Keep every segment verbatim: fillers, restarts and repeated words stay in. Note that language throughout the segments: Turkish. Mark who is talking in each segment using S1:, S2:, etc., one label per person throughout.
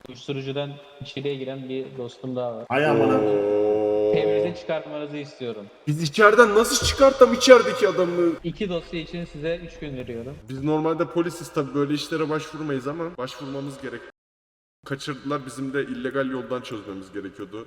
S1: Uyuşturucudan içeriye giren bir dostum daha var.
S2: Hay amına.
S1: Temize çıkartmanızı istiyorum.
S3: Biz içeriden nasıl çıkartam içerideki adamı?
S1: İki dosya için size üç gün veriyorum.
S3: Biz normalde polisiz tabii böyle işlere başvurmayız ama başvurmamız gerek. Kaçırdılar, bizim de illegal yoldan çözmemiz gerekiyordu.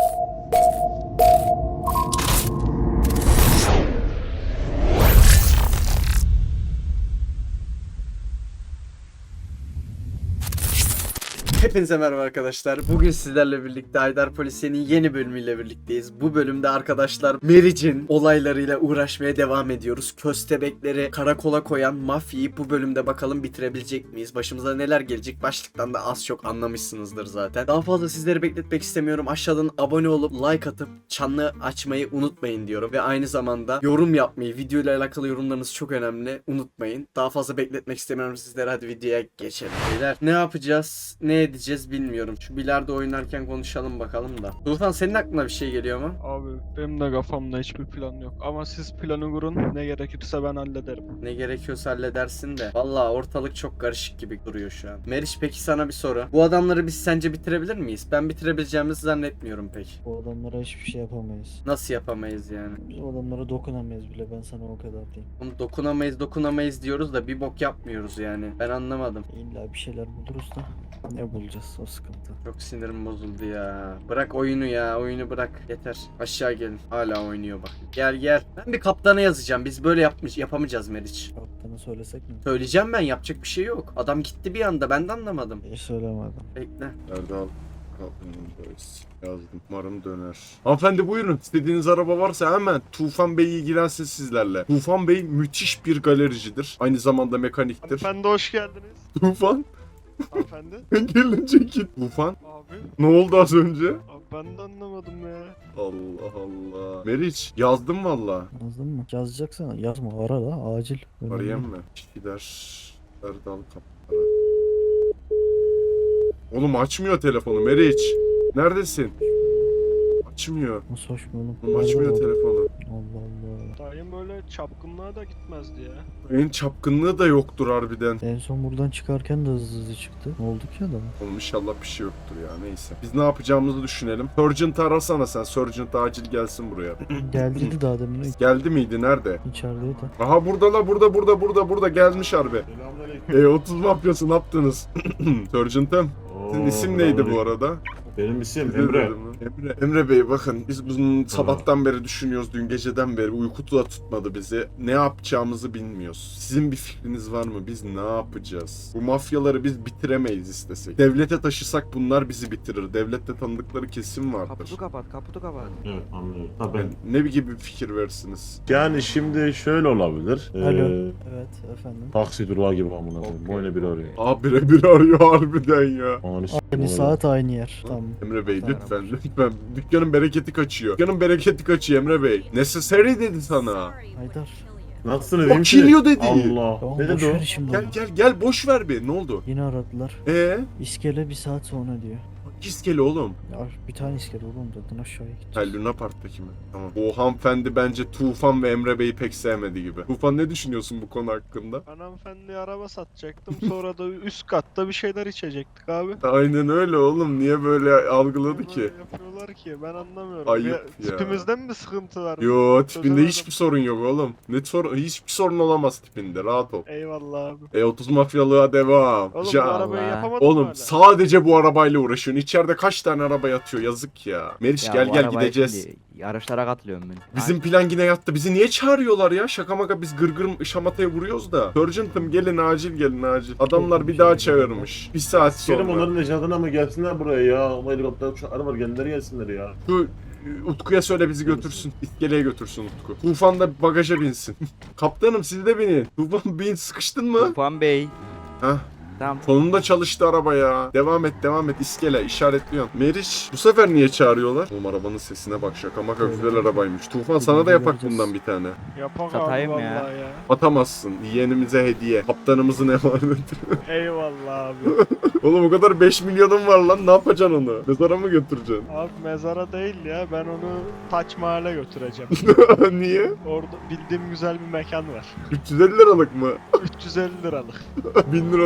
S4: Hepinize merhaba arkadaşlar. Bugün sizlerle birlikte Haydar Polisiye'nin yeni bölümüyle birlikteyiz. Bu bölümde arkadaşlar Meriç'in olaylarıyla uğraşmaya devam ediyoruz. Köstebekleri karakola koyan mafyayı bu bölümde bakalım bitirebilecek miyiz? Başımıza neler gelecek? Başlıktan da az çok anlamışsınızdır zaten. Daha fazla sizleri bekletmek istemiyorum. Aşağıdan abone olup like atıp çanlı açmayı unutmayın diyorum. Ve aynı zamanda yorum yapmayı, videoyla alakalı yorumlarınız çok önemli. Unutmayın. Daha fazla bekletmek istemiyorum sizlere. Hadi videoya geçelim. Beyler ne yapacağız? Ne edeceğiz bilmiyorum. Şu bilardo oynarken konuşalım bakalım da. Tufan, senin aklına bir şey geliyor mu?
S5: Abi benim de kafamda hiçbir plan yok. Ama siz planı kurun, ne gerekirse ben hallederim.
S4: Ne gerekiyorsa halledersin de. Vallahi ortalık çok karışık gibi duruyor şu an. Meriç, peki sana bir soru. Bu adamları biz sence bitirebilir miyiz? Ben bitirebileceğimizi zannetmiyorum pek.
S6: O adamlara hiçbir şey yapamayız.
S4: Nasıl yapamayız yani?
S6: Biz o adamlara dokunamayız bile, ben sana o kadar diyeyim.
S4: Oğlum dokunamayız dokunamayız diyoruz da bir bok yapmıyoruz yani. Ben anlamadım.
S6: İlla bir şeyler buluruz da ne bulacağız, o sıkıntı.
S4: Çok sinirim bozuldu ya. Bırak oyunu ya. Oyunu bırak. Yeter. Aşağı gelin. Hala oynuyor bak. Gel gel. Ben bir kaptana yazacağım. Biz böyle yapmış yapamayacağız Meriç.
S6: Kaptanı söylesek mi?
S4: Söyleyeceğim ben. Yapacak bir şey yok. Adam gitti bir anda. Ben de anlamadım.
S6: Hiç söylemedim.
S4: Bekle.
S3: Erdal yazdım. Umarım döner. Hanımefendi buyurun. İstediğiniz araba varsa hemen Tufan Bey ilgilensin sizlerle. Tufan Bey müthiş bir galericidir. Aynı zamanda mekaniktir.
S5: Hanımefendi hoş geldiniz.
S3: Tufan.
S5: Hanımefendi.
S3: Gelince git. Tufan.
S5: Abi.
S3: Ne oldu az önce?
S5: Abi ben de anlamadım ya.
S3: Allah Allah. Meriç yazdım valla.
S6: Yazdın mı? Yazacaksan yazma, ara da acil. Önemli.
S3: Arayayım mı? Gider. Erdal kapılara. Oğlum açmıyor telefonu Meriç. Neredesin? Açmıyor.
S6: Nasıl hoş mu oğlum?
S3: Oğlum açmıyor
S6: Nerede o?
S3: telefonu.
S6: Allah Allah.
S5: Dayım böyle çapkınlığa da gitmezdi ya.
S3: En çapkınlığı da yoktur harbiden.
S6: En son buradan çıkarken de hızlı hızlı çıktı. Ne oldu ki adama?
S3: Oğlum inşallah bir şey yoktur ya, neyse. Biz ne yapacağımızı düşünelim. Sergeant'ı arasana sen. Sergeant acil gelsin buraya.
S6: Geldiydi daha demin.
S3: Geldi miydi? Nerede?
S6: İçerideydi.
S3: Aha burada la, burada burada burada burada gelmiş harbi.
S2: Selamünaleyküm.
S3: E otuz mafyası ne yaptınız? Sergeant'ım. Sizin
S2: Oo,
S3: isim neydi bu
S2: selamünaleyküm.
S3: arada?
S2: Benim isim
S3: Size
S2: Emre.
S3: dedim lan. Emre. Emre Bey bakın biz bunun sabahtan beri düşünüyoruz, dün geceden beri uyku da tutmadı bizi. Ne yapacağımızı bilmiyoruz. Sizin bir fikriniz var mı? Biz ne yapacağız? Bu mafyaları biz bitiremeyiz istesek. Devlete taşısak bunlar bizi bitirir. Devlette tanıdıkları kesim vardır.
S7: Kaputu kapat, kaputu kapat.
S2: Evet, anlıyorum. Tabii.
S3: Yani ne gibi bir fikir versiniz?
S2: Yani şimdi şöyle olabilir. Ee,
S6: Alo. Evet efendim.
S2: Taksi durağı gibi amına koyayım.
S3: Okey.
S2: Böyle bir arıyor.
S3: Aa birebir arıyor harbiden ya.
S2: Ananı s**eyim
S6: Aynı
S2: oğlum.
S6: saat aynı yer. Tamam.
S3: Emre Bey lütfen lütfen. Dükkanın bereketi kaçıyor. Dükkanın bereketi kaçıyor Emre Bey. Necessary dedi sana.
S6: Haydar.
S2: Nasılsın
S3: O
S2: dedim ki?
S3: kiliyor dedi.
S2: Allah.
S6: Tamam,
S2: Ne
S6: boş
S2: dedi o?
S6: ver şimdi
S3: Gel
S6: onu.
S3: gel gel boş ver bir. Ne oldu?
S6: Yine aradılar.
S3: Ee?
S6: İskele bir saat sonra diyor.
S3: İskele oğlum.
S6: Ya bir tane iskele oğlum zaten, aşağıya
S3: Ha,
S6: gideceğiz.
S3: Luna Park'taki mi? Tamam. O hanımefendi bence Tufan ve Emre Bey'i pek sevmedi gibi. Tufan ne düşünüyorsun bu konu hakkında?
S5: Ben hanımefendiye araba satacaktım. Sonra da üst katta bir şeyler içecektik abi.
S3: Aynen öyle oğlum. Niye böyle algıladı
S5: Niye
S3: ki?
S5: böyle yapıyorlar ki ben anlamıyorum.
S3: Ayıp
S5: Ya,
S3: ya.
S5: Tipimizden mi sıkıntı var?
S3: Yo tipinde
S5: Çözemedim.
S3: hiçbir sorun yok oğlum. Ne sorun? Hiçbir sorun olamaz tipinde. Rahat ol.
S5: Eyvallah abi.
S3: E otuz mafyalığa devam.
S5: Oğlum
S3: Ja-
S5: bu arabayı
S7: Allah.
S5: yapamadın mı
S3: Oğlum
S5: hala?
S3: sadece bu arabayla uğraşıyorsun. İçeride kaç tane araba yatıyor? Yazık ya. Meriç
S7: Ya
S3: gel
S7: bu
S3: gel
S7: arabaya
S3: gideceğiz.
S7: şimdi Yarışlara katılıyorum ben.
S3: Bizim plan yine yattı. Bizi niye çağırıyorlar ya? Şaka maka biz gırgır şamataya vuruyoruz da. Sergeant'ım gelin acil gelin acil. Adamlar bir daha çağırmış. Bir saat
S2: Sikerim
S3: sonra.
S2: onların necatına mı gelsinler buraya ya? Ama helikopter uçakları var, kendileri gelsinler ya.
S3: Şu Utku'ya söyle bizi götürsün. İskeleye götürsün Utku. Tufan da bagaja binsin. Kaptanım siz de binin. Tufan bin, sıkıştın mı?
S7: Tufan Bey.
S3: Hah.
S7: Tamam.
S3: Sonunda çalıştı araba ya. Devam et devam et iskele işaretliyorum. Meriç bu sefer niye çağırıyorlar? Oğlum arabanın sesine bak, şaka maka güzel arabaymış. Tufan sana da yapak bundan bir tane.
S5: Yapak abi
S7: Satayım
S5: vallahi
S7: ya.
S5: ya.
S3: Atamazsın. Yeğenimize hediye. Kaptanımızın emaneti.
S5: Eyvallah abi.
S3: Oğlum o kadar beş milyonun var lan, ne yapacaksın onu? Mezara mı götüreceksin?
S5: Abi mezara değil ya, ben onu Taç Mahal'e götüreceğim.
S3: Niye?
S5: Orada bildiğim güzel bir mekan var.
S3: üç yüz elli liralık mı?
S5: üç yüz elli liralık.
S3: bin liralık yok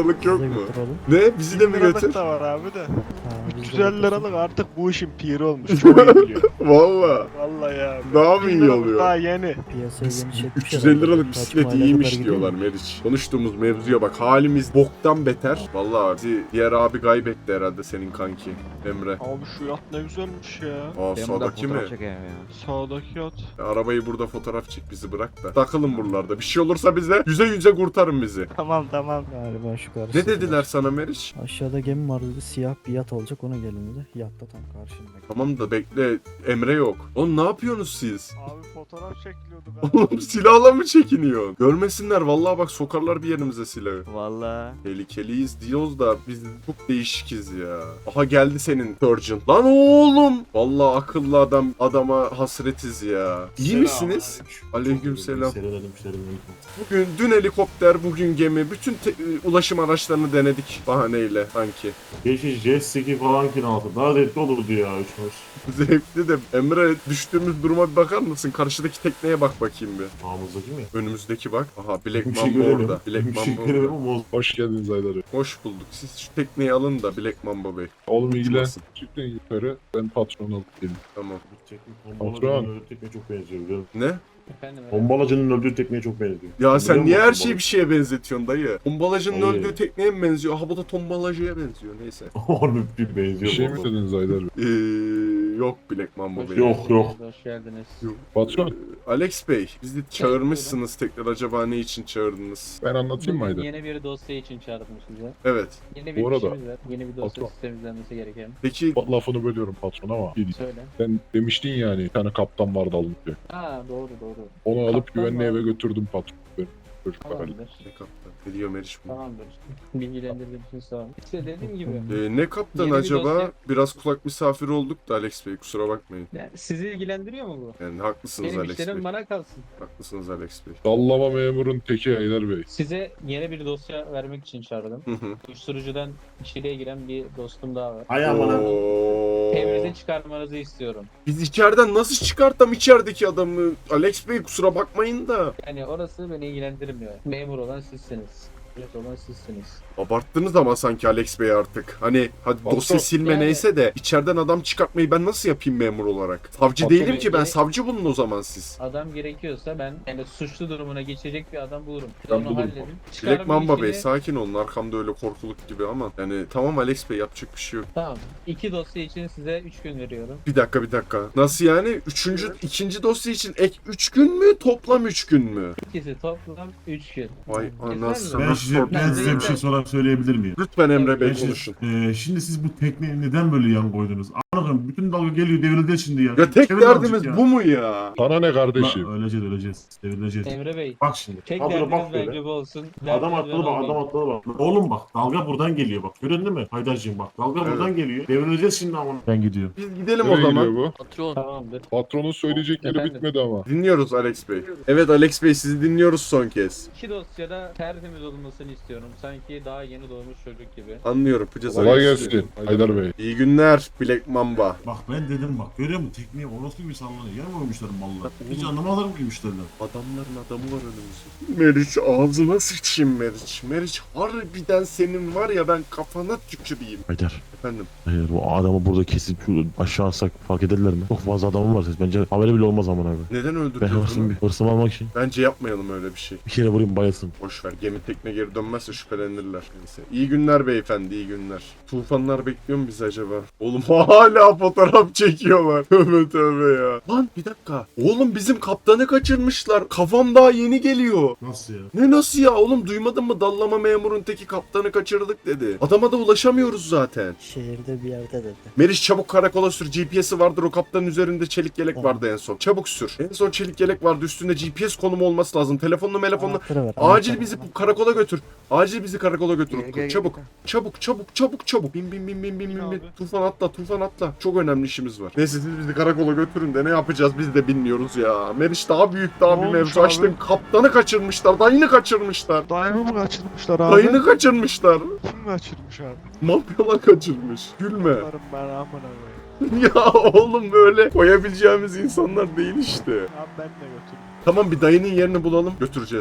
S6: de
S3: mu?
S6: götür oğlum.
S3: Ne? Bizi de mi
S5: Bin liralık
S3: götür?
S5: da var abi de.
S6: Ha, biz de
S5: üç yüz elli
S6: götürsün.
S5: liralık artık bu işin piri olmuş. Çok iyi biliyor.
S3: Valla.
S5: Vallahi ya.
S3: Daha mı
S5: bin
S3: iyi
S5: liralık
S3: oluyor?
S5: Daha yeni.
S6: Piyasayı genişletmiş
S3: üç yüz elli
S6: herhalde.
S3: liralık
S6: Kaç
S3: bisiklet
S6: mahalleye
S3: iyiymiş
S6: kadar gidiyor
S3: diyorlar
S6: mu?
S3: Meriç. Konuştuğumuz mevzuya bak. Halimiz boktan beter. Vallahi bizi diğer abi kaybetti herhalde senin kanki Emre.
S5: Abi şu yat ne güzelmiş ya.
S3: Aa
S7: Ben burada
S3: sağdaki mi?
S7: fotoğraf çekeyim ya.
S5: Sağdaki yat.
S3: Arabayı burada fotoğraf çek bizi bırak da. Takılın buralarda. Bir şey olursa bize yüze yüze kurtarın bizi.
S5: Tamam tamam.
S6: Galiba şu karşısı.
S3: Ne dediler sana Meriç?
S6: Aşağıda gemi var dedi. Siyah bir yat olacak, ona gelin dedi. Yatta tam karşında.
S3: Tamam da bekle Emre yok. Oğlum ne yapıyorsunuz siz?
S5: Abi fotoğraf çekiliyorduk abi.
S3: Oğlum silahla mı çekiniyor? Görmesinler vallahi bak sokarlar bir yerimize silahı.
S7: Valla.
S3: Tehlikeliyiz diyoruz da biz çok değişikiz ya. Aha geldi senin Surgeon. Lan oğlum. Vallahi akıllı adam adama hasretiz ya. İyi misiniz? Aleykümselam.
S2: Selam selam.
S3: Bugün dün helikopter, bugün gemi. Bütün te- ulaşım araçlarını denedik bahaneyle sanki.
S2: Geçiş jet ski falan kiraladı. Daha zevkli olurdu ya üçümüz.
S3: Zevkli de Emre düştüğümüz duruma bir bakar mısın? Karşıdaki tekneye bak bakayım bir.
S2: Ağımızdaki mi?
S3: Önümüzdeki bak. Aha Black
S2: Bir şey
S3: Mamba
S2: görelim.
S3: orada. Black
S2: Bir şey
S3: Mamba
S2: görelim
S3: orada.
S2: ama
S8: Hoş geldiniz Aydar'ı.
S3: Hoş bulduk. Siz şu tekneyi alın da Black Mamba Bey.
S8: Oğlum ilgilen.
S3: Uçmasın.
S8: Çıktın yukarı. Ben patron alıp geleyim.
S3: Tamam.
S2: Bombalacının öldüğü tekneye çok benziyor biliyor musun?
S3: Ne?
S1: Efendim.
S2: Bombalacının öldüğü tekneye çok benziyor.
S3: Ya sen
S2: Biliyor
S3: niye
S2: musun
S3: her şeyi
S2: bombalı?
S3: bir şeye benzetiyorsun dayı? Tombalacının
S2: Hayır.
S3: öldüğü tekneye mi benziyor? Ha bu da tombalacıya benziyor. Neyse.
S2: Oğlum bir
S8: Bir
S2: benziyor.
S8: şey mi
S2: bombalı.
S8: dediniz Aydar Bey?
S3: Ee, yok Black Mamba Bey.
S2: Yok, yok.
S1: Hoş geldiniz.
S8: Patron
S3: Ee, Alex Bey, bizi çağırmışsınız tekrar. Acaba ne için çağırdınız?
S8: ben anlatayım mı
S1: Bugün
S8: Aydar?
S1: yeni bir dosya için çağırdım size.
S3: Evet.
S1: Yeni bir
S8: Bu arada-
S1: işimiz var. Yeni bir dosya
S8: Patron.
S1: sistemizlenmesi gereken.
S3: Peki
S8: Bak, lafını bölüyorum patron ama. Bir-
S1: Söyle.
S8: Sen demiştin yani bir tane kaptan vardı alındı diye.
S1: Ha doğru doğru.
S8: Onu alıp
S1: Kaptan
S8: güvenli
S1: var.
S8: eve götürdüm patron. Benim çocuklar Ali.
S1: Tamamdır.
S3: ne kaptan? Ne diyor Meriç bu?
S1: Tamamdır. Bilgilendirdiğiniz için sağ olun. İşte dediğim gibi.
S3: Ee, ne kaptan
S1: Yeni bir
S3: acaba?
S1: dosya-
S3: Biraz kulak misafiri olduk da Alex Bey, kusura bakmayın.
S1: Yani sizi ilgilendiriyor mu bu?
S3: Yani haklısınız
S1: Benim
S3: Alex
S1: işlerim
S3: Bey.
S1: bana kalsın.
S3: Haklısınız Alex Bey.
S8: Dallama memurun teki Aydar Bey.
S1: Size yeni bir dosya vermek için çağırdım.
S3: Hı hı.
S1: Uyuşturucudan içeriye giren bir dostum daha var.
S2: Ay aman ha.
S3: Oo.
S1: Evinize çıkarmanızı istiyorum.
S3: Biz içeriden nasıl çıkartam içerideki adamı? Alex Bey kusura bakmayın da.
S1: Yani orası beni ilgilendirmiyor. Memur olan sizsiniz. Evet olan sizsiniz.
S3: Abarttınız ama sanki Alex Bey artık. Hani hadi
S8: Patron-
S3: dosya silme
S1: Yani-
S3: neyse de içeriden adam çıkartmayı ben nasıl yapayım memur olarak? Savcı
S8: Patron-
S3: değilim ki ben,
S1: Yani-
S3: savcı bulun o zaman siz.
S1: Adam gerekiyorsa ben yani suçlu durumuna geçecek bir adam bulurum.
S8: Ben
S1: Onu
S8: bulurum.
S1: halledin.
S3: Black
S1: Çıkarma
S3: Mamba Bey
S1: işini-
S3: sakin olun, arkamda öyle korkuluk gibi ama yani tamam Alex Bey yapacak bir şey yok.
S1: Tamam. İki dosya için size üç gün veriyorum.
S3: Bir dakika bir dakika. Nasıl yani? Üçüncü, ikinci dosya için ek üç gün mü? Toplam üç gün mü?
S1: İkisi toplam üç gün.
S3: Vay
S1: Güzel
S3: anasını
S1: mi?
S2: Ben size, ben size bir
S1: Neyse.
S2: şey sorar söyleyebilir miyim?
S3: Lütfen Emre Bey
S2: Ben şimdi,
S3: konuşun.
S2: Eee, şimdi siz bu tekneye neden böyle yan koydunuz? Anladım. Bütün dalga geliyor devrildi şimdi ya.
S3: Ya tek
S2: Çevir
S3: derdimiz
S2: azıcık ya.
S3: bu mu ya?
S8: Sana ne kardeşim?
S2: Lan öleceğiz öleceğiz. Devrileceğiz.
S1: Emre Bey.
S2: Bak şimdi.
S1: Tek
S2: Kadro
S1: derdiniz
S2: bak böyle.
S1: bence bu olsun.
S2: Adam
S1: Derdiniz
S2: atladı
S1: ben
S2: bak, adam
S1: olmayayım.
S2: atladı bak. Oğlum bak, dalga buradan geliyor bak. Gördün mü? Haydar'cığım bak, dalga
S3: Evet.
S2: buradan geliyor. Devrileceğiz şimdi ama. Ben gidiyorum.
S3: Biz gidelim o
S8: Nereye
S3: zaman.
S8: gidiyor bu?
S1: Tamamdır.
S8: Patronun söyleyecekleri
S1: Efendim?
S8: bitmedi ama.
S3: Dinliyoruz Alex Bey. Evet Alex Bey sizi dinliyoruz son kez.
S1: İki dosyada tertemiz olmasını istiyorum. Sanki daha yeni doğmuş çocuk gibi.
S3: Anlıyorum. Yapacağız
S8: Kolay
S3: Alex Bey.
S8: gelsin Aydar Bey.
S3: İyi günler Black Mamba.
S2: Bak ben dedim bak, görüyor musun? Tekniğe orospu gibi sallanıyor. Yer mi koymuşlar mallar? Hiç anlamadılar mı müşteriler?
S3: Adamların adamı var önümüzde. Meriç ağzına sıçayım Meriç. Meriç harbiden senin var ya ben kafana tüküreyim.
S9: Haydar,
S3: Efendim.
S9: hayır bu adamı burada kesip şu aşağı atsak fark ederler mi? Çok fazla adamım var. Bence haberi bile olmaz aman abi.
S3: Neden
S9: Ben
S3: öldürüyorsun?
S9: hırsımı,
S3: onu?
S9: hırsımı almak için
S3: Bence yapmayalım öyle bir şey.
S9: bir kere vurayım bayılsın.
S3: Boş ver. Gemi tekne geri dönmezse şüphelenirler. Neyse. İyi günler beyefendi, iyi günler. Tufanlar bekliyor mu bizi acaba? Oğlum hala fotoğraf çekiyorlar. Tövbe tövbe ya. Lan bir dakika. Oğlum bizim kaptanı kaçırmışlar. Kafam daha yeni geliyor.
S2: Nasıl ya?
S3: Ne nasıl ya oğlum, duymadın mı? Dallama memurun teki kaptanı kaçırdık dedi. Adama da ulaşamıyoruz zaten.
S6: Şehirde bir yerde dedi.
S3: Meriç çabuk karakola sür. G P S'i vardır, o kaptanın üzerinde çelik yelek
S6: Tamam.
S3: vardı en son. Çabuk sür. En son çelik yelek vardı, üstünde G P S konumu olması lazım. Telefonla telefonla.
S6: Anahtarı ver.
S3: Acil
S6: anahtarı.
S3: bizi bu karakola götür. Acil bizi karakola götür.
S7: Gel,
S3: Utku.
S7: gel, gel,
S3: Çabuk.
S7: gel.
S3: Çabuk çabuk çabuk çabuk. Bin bin bin bin bin bin. bin.
S5: Abi.
S3: Tufan atla Tufan atla. Çok önemli işimiz var. Neyse siz bizi karakola götürün de ne yapacağız biz de bilmiyoruz ya. Meriç daha büyük daha
S5: Ne
S3: bir
S5: olmuş
S3: mevzu
S5: abi?
S3: açtın. Kaptanı kaçırmışlar. Dayını kaçırmışlar.
S5: Dayımı mı kaçırmışlar abi?
S3: Dayını kaçırmışlar.
S5: Kim kaçırmış abi?
S3: Mafyalar kaçırmış. Gülme.
S5: Bunların ben amına koyayım.
S3: Ya oğlum böyle koyabileceğimiz insanlar değil işte.
S5: Abi ben de götürürüm.
S3: Tamam bir dayının yerini bulalım götüreceğiz.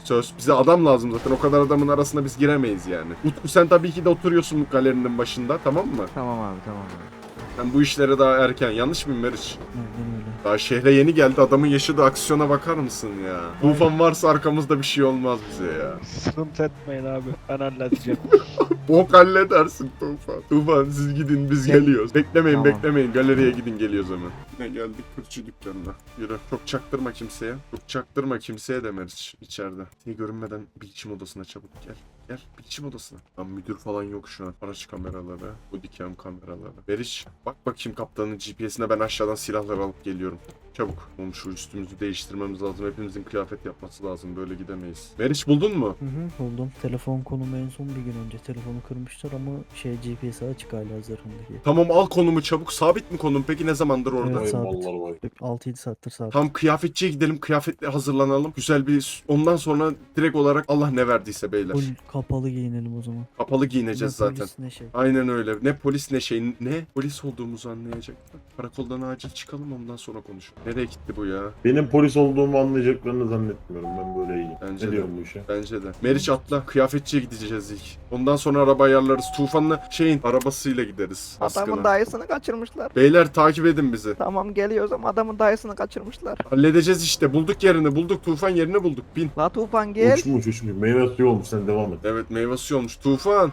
S3: Söz. Bize adam lazım zaten. O kadar adamın arasına biz giremeyiz yani. Utku sen tabii ki de oturuyorsun galerinin başında, tamam mı?
S7: Tamam abi tamam abi.
S3: Sen bu işlere daha erken. Yanlış mıyım Meriç?
S6: Aynen öyle.
S3: Daha şehre yeni geldi. Adamın yaşadığı aksiyona bakar mısın ya? Tufan varsa arkamızda bir şey olmaz bize ya.
S5: Sıkıntı etmeyin abi. Ben halledeceğim.
S3: Bok halledersin Tufan. Tufan siz gidin biz geliyoruz. Beklemeyin
S7: Tamam.
S3: beklemeyin. Galeriye gidin geliyoruz hemen. Yine geldik fırçı dükkanına. Yürü. Çok çaktırma kimseye. Çok çaktırma kimseye de Meriç içeride. Seni görünmeden bilişim odasına çabuk gel. Gel bilişim odasına. Lan müdür falan yok şu an. Araç kameraları, bodycam kameraları. Meriç bak bakayım kaptanın G P S'ine, ben aşağıdan silahları alıp geliyorum. Çabuk. Oğlum şu üstümüzü değiştirmemiz lazım. Hepimizin kıyafet yapması lazım. Böyle gidemeyiz. Meriç buldun mu?
S6: Hı hı buldum. Telefon konumu en son bir gün önce telefonu kırmışlar ama şey G P S açık hala zırhındaki.
S3: Tamam al konumu çabuk. Sabit mi konum? Peki ne zamandır orada?
S6: Evet, sabit.
S8: mallar vay.
S6: altı yedi saattir sabit.
S3: Tam kıyafetçiye gidelim. Kıyafetle hazırlanalım. Güzel bir... Ondan sonra direkt olarak Allah ne verdiyse beyler.
S6: Full kapalı giyinelim o zaman.
S3: Kapalı giyineceğiz
S6: Ne
S3: zaten.
S6: polis, ne şey.
S3: Aynen öyle. Ne polis ne şey. Ne polis olduğumuzu anlayacaklar. Karakoldan acil çıkalım, ondan sonra konuşalım. Nereye gitti bu ya?
S8: Benim polis olduğumu anlayacaklarını zannetmiyorum. Ben böyle iyiyim.
S3: Bence
S8: ne
S3: de.
S8: diyorum bu işe?
S3: Bence de. Meriç atla. Kıyafetçiye gideceğiz ilk. Ondan sonra araba ayarlarız. Tufan'la şeyin arabasıyla gideriz.
S7: Adamın
S3: Baskına.
S7: dayısını kaçırmışlar.
S3: Beyler takip edin bizi.
S7: Tamam geliyoruz ama adamın dayısını kaçırmışlar.
S3: Halledeceğiz işte. Bulduk yerini. Bulduk. Tufan yerini bulduk. Bin.
S7: La Tufan gel.
S8: Uçmuş uçmuş. Meyve suyu olmuş, sen devam et.
S3: Evet meyve suyu olmuş. Tufan.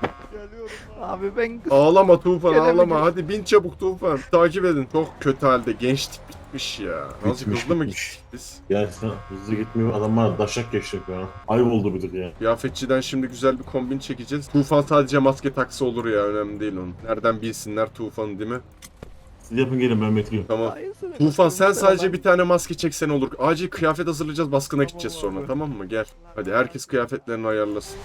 S7: Abi ben
S3: Ağlama Tufan
S7: Gelemeyeceğim.
S3: ağlama. Hadi bin çabuk Tufan. Takip edin. Çok kötü halde. Gençlik bitmiş ya. Nasıl
S8: Bitmiş,
S3: hızlı mı
S8: bitmiş.
S3: gittik biz?
S8: Gerçekten hızlı gitmiyor. Adamlar daşak geçecek ya. Ayıp oldu bir tık ya.
S3: Kıyafetçiden şimdi güzel bir kombin çekeceğiz. Tufan sadece maske taksa olur ya. Önemli değil onun. Nereden bilsinler Tufan'ı değil mi?
S8: Siz yapın gelin, ben bekliyorum.
S3: Tamam.
S7: dayısını
S3: Tufan sen
S7: kaçırmışlar
S3: sadece
S7: adam.
S3: bir tane maske çeksen olur. Acil kıyafet hazırlayacağız. Baskına
S5: Tamam
S3: gideceğiz
S5: abi.
S3: sonra. Tamam mı? Gel. Hadi herkes kıyafetlerini ayarlasın.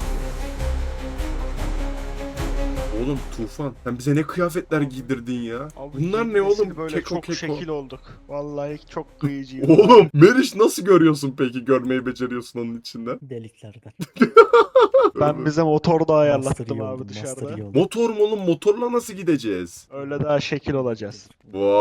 S3: Oğlum Tufan sen bize ne kıyafetler giydirdin ya?
S5: Abi
S3: Bunlar ne
S5: nesil
S3: oğlum?
S5: Böyle
S3: Keko
S5: çok
S3: keko.
S5: şekil olduk. Vallahi çok kıyıcıyım.
S3: Oğlum Meriç nasıl görüyorsun peki? Görmeyi beceriyorsun onun içinden.
S6: Deliklerden.
S5: Ben bize motor da
S6: Master
S5: ayarlattım
S6: iyi
S5: abi
S6: oldu, master
S5: dışarıda.
S6: iyi oldu.
S3: Motor mu oğlum? Motorla nasıl gideceğiz?
S5: Öyle daha şekil olacağız.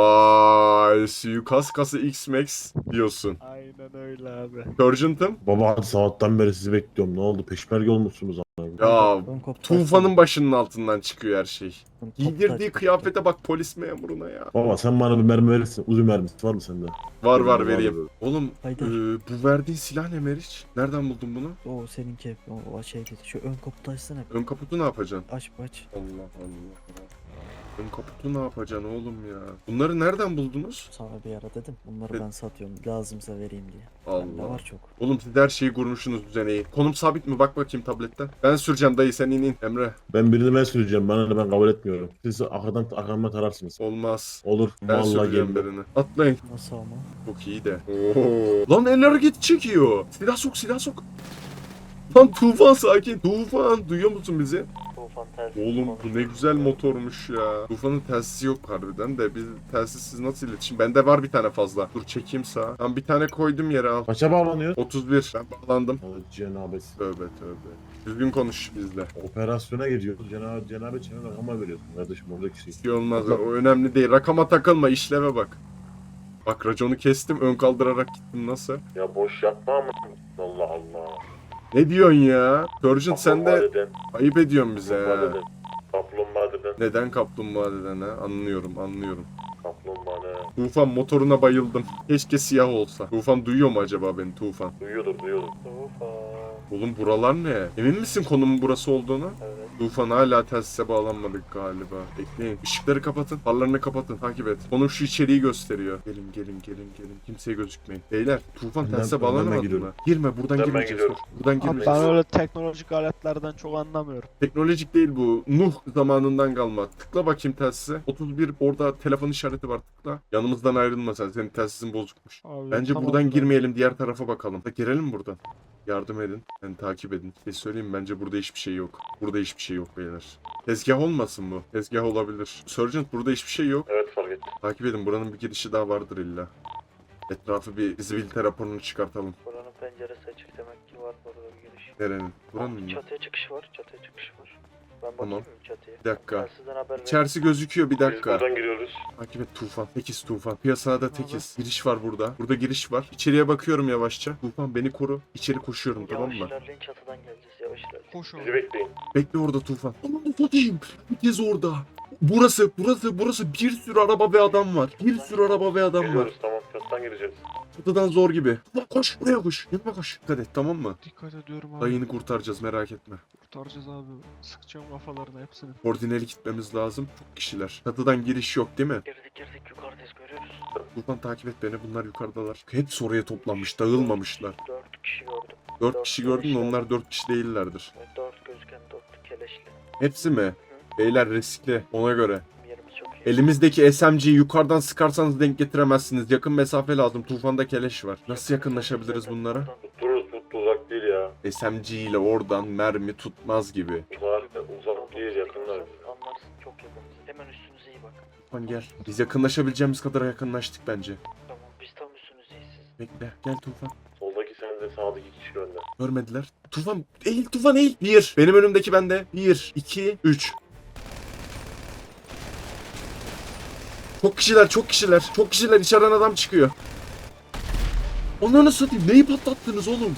S3: Vay suikast kası X-Max diyorsun.
S5: Aynen öyle abi.
S3: Sergeant'ım.
S8: Baba hadi sabahtan beri sizi bekliyorum. Ne oldu? Peşmerge olmuşsunuz ama.
S3: Ya
S6: Ön kapı
S3: Tufan'ın
S6: taşları.
S3: başının altından çıkıyor her şey.
S6: Ön kapı
S3: Giydirdiği
S6: taşları.
S3: kıyafete bak polis memuruna ya.
S8: Baba sen bana bir mermi verirsin. Uzun mermisi var mı sende?
S3: Var var
S8: Var,
S3: vereyim.
S8: var.
S3: Oğlum
S6: Haydar.
S3: e, bu verdiğin silah ne Meriç? Nereden buldun bunu?
S6: O seninki o, o şey dedi. Şu ön kaputu açsana.
S3: Ön kaputu ne yapacaksın?
S6: Aç aç.
S3: Allah Allah. Ön kaputu ne yapacaksın oğlum ya? Bunları nereden buldunuz?
S6: Sana bir ara dedim. Bunları
S3: Evet.
S6: ben satıyorum. Lazımsa vereyim diye. Bende
S3: Allah.
S6: var çok.
S3: Oğlum siz her şeyi kurmuşsunuz düzeneyi. Konum sabit mi? Bak bakayım tabletten. Ben süreceğim dayı sen in in. Emre.
S8: Ben birini ben süreceğim. Bana ne, ben kabul etmiyorum. Siz arkadan arkamdan tararsınız.
S3: Olmaz.
S8: Olur.
S3: Ben
S8: Vallahi
S3: süreceğim
S8: geldim.
S3: birini. Atlayın.
S6: Nasıl ama?
S3: Çok iyi de. Oo. Lan el hareketi çekiyor. Silah sok silah sok. Lan Tufan sakin. Tufan duyuyor musun bizi? Oğlum bu ne güzel motormuş ya. Tufan'ın telsizi yok harbiden de biz telsizsiz nasıl iletişim? Bende var bir tane fazla. Dur çekeyim sağa. Tam bir tane koydum yere al.
S8: Kaça bağlanıyor?
S3: otuz bir. Ben bağlandım.
S8: Allah cenabesi.
S3: Tövbe tövbe. Düzgün konuş bizle.
S8: Operasyona gidiyoruz. Cenab cenabet çene rakama veriyorsun kardeşim, oradaki şey.
S3: Bir şey olmaz. O önemli değil. Rakama takılma. İşleve bak. Bak raconu kestim. Ön kaldırarak gittim. Nasıl?
S8: Ya boş yapma ama. Allah Allah.
S3: Ne diyorsun ya? Sergeant sen de
S8: deden.
S3: ayıp ediyorsun bize ya.
S8: deden. Kaplumbağa deden.
S3: Neden kaplumbağa deden ha? Anlıyorum anlıyorum.
S8: Kaplumbağa deden.
S3: Tufan motoruna bayıldım. Keşke siyah olsa. Tufan duyuyor mu acaba beni Tufan?
S8: Duyuyordur duyuyordur.
S3: Oğlum buralar ne? Emin misin konumun burası olduğunu?
S8: Evet.
S3: Tufan hala telsize bağlanmadık galiba. Bekleyin. Işıkları kapatın. Farlarını kapatın. Takip et. Konum şu içeriği gösteriyor. Gelin gelin gelin gelin. Kimseye gözükmeyin. Beyler Tufan
S8: Önden-
S3: telsize
S8: önden
S3: bağlanamadı
S8: gidiyorum.
S3: mı? Girme buradan
S8: Ben
S3: girmeyeceğiz.
S8: gidiyorum.
S3: Dur. Buradan
S5: Abi
S3: girmeyeceğiz.
S5: ben öyle teknolojik aletlerden çok anlamıyorum.
S3: Teknolojik değil bu. Nuh zamanından kalma. Tıkla bakayım telsize. otuz bir orada telefon işareti var tıkla. Yanımızdan ayrılma sen. Senin telsizin bozukmuş.
S5: Abi,
S3: Bence
S5: tamam
S3: buradan
S5: da.
S3: girmeyelim, diğer tarafa bakalım. Da girelim buradan. Yardım edin. Yani takip edin. Bir şey söyleyeyim mi? Bence burada hiçbir şey yok. Burada hiçbir şey yok beyler. Tezgah olmasın bu. Tezgah olabilir. Sergeant burada hiçbir şey yok.
S8: Evet fark ettim.
S3: Takip edin. Buranın bir girişi daha vardır illa. Etrafı bir visibility raporunu çıkartalım.
S10: Buranın penceresi açık demek ki var burada bir giriş.
S3: Nerenin? Buranın mı?
S10: Çatıya çıkış var, çatıya çıkış var.
S6: Ben
S3: Tamam.
S6: bakayım mı çatıya?
S3: Bir dakika.
S6: Ben sizden haber veririm.
S3: İçerisi gözüküyor bir dakika.
S8: giriyoruz.
S3: Takip et Tufan. Tekiz Tufan. Piyasada tekiz. Giriş var burada. Burada giriş var. İçeriye bakıyorum yavaşça. Tufan beni koru. İçeri koşuyorum tamam
S6: Yavaş
S3: mı?
S6: ilerleyin, çatıdan geleceğiz. Yavaş ilerleyin.
S5: Koş oğlum.
S8: Bizi bekleyin.
S3: Bekle orada Tufan. Aman satayım. Herkes orada. Burası, burası, burası bir sürü araba ve adam var. Bir sürü araba ve adam var.
S8: tamam. Çatıdan gireceğiz.
S3: Çatıdan zor gibi. Tufan koş, buraya koş. Yanıma koş. Dikkat et tamam mı?
S5: Dikkat ediyorum abi.
S3: Dayını kurtaracağız merak etme.
S5: Kurtaracağız abi. Sıkacağım kafalarına hepsini.
S3: Koordineli gitmemiz lazım. Çok kişiler. Çatıdan giriş yok değil mi?
S6: Girdik girdik, yukarıdayız, görüyoruz.
S3: Tufan takip et beni. Bunlar yukarıdalar. Hepsi oraya toplanmış. Dağılmamışlar.
S6: Dört kişi gördüm.
S3: Dört kişi gördün mü? Onlar dört kişi değillerdir.
S6: Evet, dört gözüken dört keleşli.
S3: Hepsi mi? Beyler riskli. Ona göre.
S6: Yerimiz çok iyi.
S3: Elimizdeki S M G'yi yukarıdan sıkarsanız denk getiremezsiniz. Yakın mesafe lazım. Tufanda keleş var. Nasıl yakınlaşabiliriz bunlara?
S8: Dururuz, tuttu uzak değil ya.
S3: S M G ile oradan mermi tutmaz gibi.
S8: Uzak, uzak değil yakınlar.
S6: Anlarsın, çok yakınız. Hemen üstünüze iyi bak.
S3: Tufan gel. Biz yakınlaşabileceğimiz kadar yakınlaştık bence.
S6: Tamam, biz tam üstünüzdeyiz siz.
S3: Bekle. Gel Tufan.
S8: Soldaki sen de sağdaki kişi önde.
S3: Görmediler. Tufan eğil Tufan eğil. Bir. Benim önümdeki bende. Bir, iki, üç. Çok kişiler, çok kişiler. Çok kişiler. İçeriden adam çıkıyor. Onları satayım. Neyi patlattınız oğlum?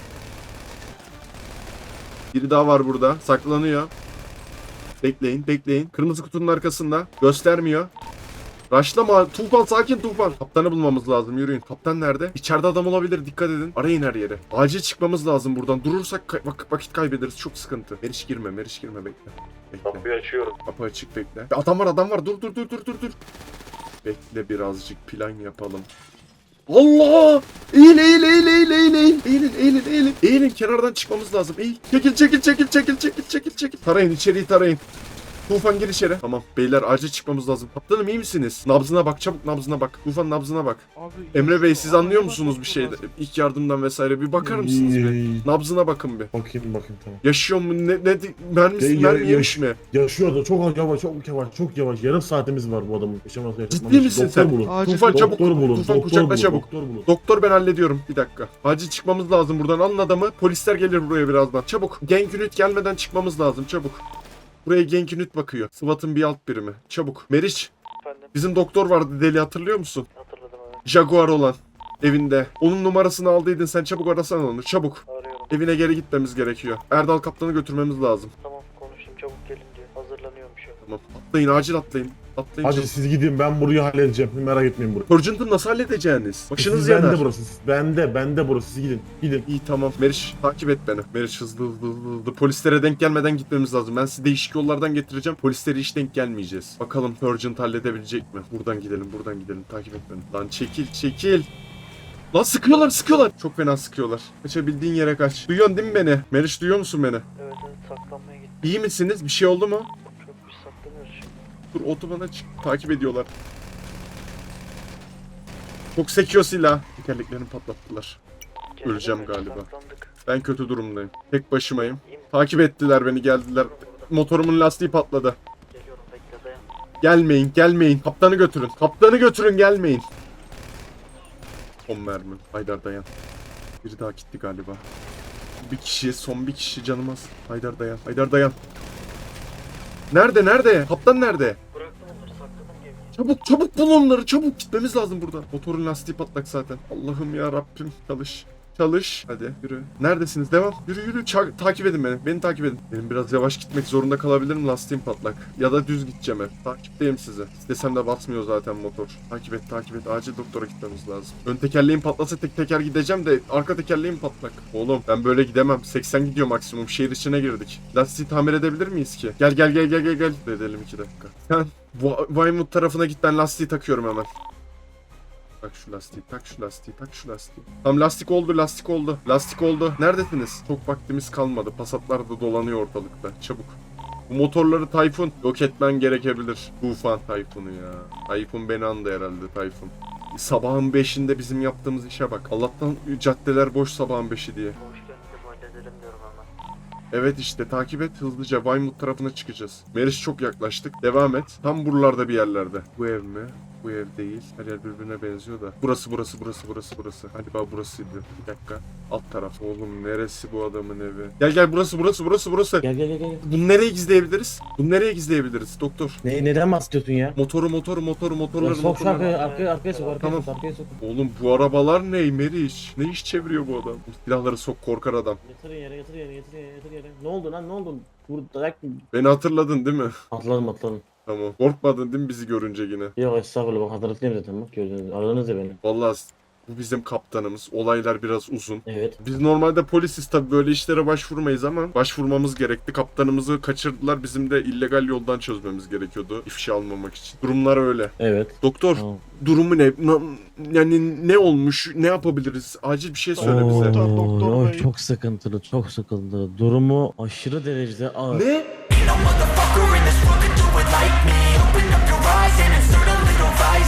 S3: Biri daha var burada. Saklanıyor. Bekleyin, bekleyin. Kırmızı kutunun arkasında. Göstermiyor. Raşlama. Tufan sakin Tufan. Kaptanı bulmamız lazım. Yürüyün. Kaptan nerede? İçeride adam olabilir. Dikkat edin. Arayın her yere. Acil çıkmamız lazım buradan. Durursak kay- vak- vakit kaybederiz. Çok sıkıntı. Meriç girme. Meriç girme. Bekle. Bekle.
S8: Kapıyı açıyorum.
S3: Kapı açık bekle. Ya adam var adam var. Dur dur dur dur dur dur. Bekle birazcık plan yapalım. Allah! Eğil eğil eğil eğil eğil eğil. Eğilin eğilin eğilin. Eğilin kenardan çıkmamız lazım. Eğil. Çekil çekil çekil çekil çekil çekil çekil. Tarayın içeriği tarayın. Tufan gir içeri. Tamam beyler acil çıkmamız lazım. Kaptanım iyi misiniz? Nabzına bak çabuk nabzına bak. Tufan nabzına bak.
S5: Abi,
S3: Emre Bey siz anlıyor
S5: Abi,
S3: musunuz bir
S5: bakmam
S3: şeyde?
S5: lazım.
S3: İlk yardımdan vesaire bir bakar mısınız bir? Nabzına bakın bir.
S8: Bakayım bakayım tamam.
S3: Yaşıyor mu? Ne, ne mermisi
S8: Ya- ya-
S3: mermi yemiş mi?
S8: Yaşıyor da çok yavaş çok yavaş çok yavaş. Yarım saatimiz var bu adamın yaşaması yaşatmaması.
S3: Ciddi misin
S8: Doktor
S3: sen?
S8: bulun.
S5: Acil
S3: Tufan
S5: doktor
S3: çabuk.
S8: Doktor bulun.
S3: Tufan
S8: doktor
S3: kucakla
S8: bulun,
S3: çabuk.
S8: Doktor bulun.
S3: Doktor ben hallediyorum. Bir dakika. Acil çıkmamız lazım buradan. Alın adamı. Polisler gelir buraya birazdan. Çabuk. Genk Unit gelmeden çıkmamız lazım. Çabuk. Buraya Genk Unit bakıyor. SWAT'ın bir alt birimi. Çabuk. Meriç.
S6: Efendim,
S3: Bizim doktor vardı deli hatırlıyor musun?
S6: hatırladım evet.
S3: Jaguar olan. Evinde. Onun numarasını aldıydın. Sen çabuk arasana onu. Çabuk.
S6: Arıyorum.
S3: Evine geri gitmemiz gerekiyor. Erdal kaptanı götürmemiz lazım.
S6: Tamam, konuşayım, çabuk gelin diyor. Hazırlanıyorum şu an.
S3: Tamam. Atlayın acil atlayın. Atlayın.
S8: Hadi
S3: çabuk.
S8: siz gidin ben burayı halledeceğim. Merak etmeyin burayı.
S3: Purgent'ı nasıl halledeceğiniz? Başınız
S8: Siz
S3: yanar.
S8: bende burası. Siz bende bende burası. Siz gidin. Gidin.
S3: İyi tamam. Meriç takip et beni. Meriç hızlı hızlı hızlı hızlı. Polislere denk gelmeden gitmemiz lazım. Ben sizi değişik yollardan getireceğim. Polislere hiç denk gelmeyeceğiz. Bakalım Purgent halledebilecek mi? Buradan gidelim buradan gidelim. Takip et beni. Lan çekil çekil. Lan sıkıyorlar sıkıyorlar. Çok fena sıkıyorlar. Kaçabildiğin yere kaç. Duyuyorsun değil mi beni? Meriç duyuyor musun beni?
S6: Evet evet, saklanmaya gittim.
S3: İyi misiniz? Bir şey oldu mu?
S6: Çok biz saklanıyoruz şimdi.
S3: Dur otobana çık. Takip ediyorlar. Çok sekiyor silah. Tekerleklerini patlattılar.
S6: Gelelim
S3: Öleceğim
S6: mi?
S3: galiba.
S6: Saklandık.
S3: Ben kötü durumdayım. Tek başımayım.
S6: İyi mi?
S3: Takip ettiler beni geldiler. Motorumun lastiği patladı.
S6: Geliyorum, bekle, dayan.
S3: Gelmeyin gelmeyin. Kaptanı götürün. Kaptanı götürün gelmeyin. Son mermi. Haydar dayan. Biri daha gitti galiba. Bir kişi son bir kişi canım az. Haydar dayan. Haydar dayan. Nerede nerede? Kaptan nerede?
S6: Bıraktım onları, sakladım gemiyi.
S3: Çabuk çabuk bul onları çabuk gitmemiz lazım buradan. Motorun lastiği patlak zaten. Allah'ım ya Rabbim çalış. Çalış. Hadi yürü. Neredesiniz? Devam. Yürü yürü. Ça- takip edin beni. Beni takip edin. Benim biraz yavaş gitmek zorunda kalabilirim. Lastiğim patlak. Ya da düz gideceğim hep. Takipteyim sizi. İstesem de basmıyor zaten motor. Takip et takip et. Acil doktora gitmemiz lazım. Ön tekerleğim patlasa tek teker gideceğim de arka tekerleğim patlak. Oğlum ben böyle gidemem. seksen gidiyor maksimum. Şehir içine girdik. Lastiği tamir edebilir miyiz ki? Gel gel gel gel gel gel. Edelim iki dakika. Sen Va- Weymouth tarafına git, ben lastiği takıyorum hemen. Tak şu lastiği, tak şu lastiği, tak şu lastiği. Tamam lastik oldu, lastik oldu. Lastik oldu. Neredesiniz? Çok vaktimiz kalmadı. Passatlar da dolanıyor ortalıkta. Çabuk. Bu motorları Tayfun yok etmen gerekebilir. Tufan Tayfun'u ya. Tayfun beni andı herhalde Tayfun. Sabahın beşinde bizim yaptığımız işe bak. Allah'tan caddeler boş sabahın beşi diye.
S6: Hoş geldiniz, halledelim diyorum hemen.
S3: Evet işte takip et hızlıca. Weymouth tarafına çıkacağız. Meriç çok yaklaştık. Devam et. Tam buralarda bir yerlerde. Bu ev mi? Bu ev değil. Her yer birbirine benziyor da. Burası burası burası burası burası. Galiba burasıydı. Bir dakika. Alt taraf. Oğlum neresi bu adamın evi? Gel gel burası burası burası burası.
S1: Gel gel gel gel.
S3: Bunu nereye gizleyebiliriz? Bunu nereye gizleyebiliriz doktor?
S1: Ne, neden bahsediyorsun ya?
S3: Motoru motoru motoru
S1: Ya
S3: motorları
S1: sok şu
S3: motorları.
S1: arkaya, arkaya, arkaya sok, arkaya
S3: Tamam.
S1: sok, arkaya sok.
S3: Oğlum bu arabalar ne Meriç? Ne iş çeviriyor bu adam? Silahları sok korkar adam.
S1: Yatır yere, yatır yere, yatır yere, yatır yere. Ne oldu lan, ne oldu? Vur, dayak mı?
S3: Beni hatırladın değil mi?
S1: Atladım, atladım.
S3: Tamam. Korkmadın değil mi bizi görünce yine?
S1: Yok estağfurullah, bak hatırlatayım zaten bak gördünüz. Aradınız ya beni.
S3: Vallahi bu bizim kaptanımız. Olaylar biraz uzun.
S1: Evet.
S3: Biz normalde polisiz tabii böyle işlere başvurmayız ama başvurmamız gerekti. Kaptanımızı kaçırdılar. Bizim de illegal yoldan çözmemiz gerekiyordu ifşa almamak için. Durumlar öyle.
S1: Evet.
S3: Doktor
S1: Tamam.
S3: durumu ne? Na- yani ne olmuş? Ne yapabiliriz? Acil bir şey söyle bize.
S5: Doktor, doktor
S6: Oo,
S5: bey.
S6: çok sıkıntılı, çok sıkıntılı. Durumu aşırı derecede ağır.
S3: Ne?
S10: Ain't no motherfucker in this world could do it like me. Open up your eyes and insert a little vice.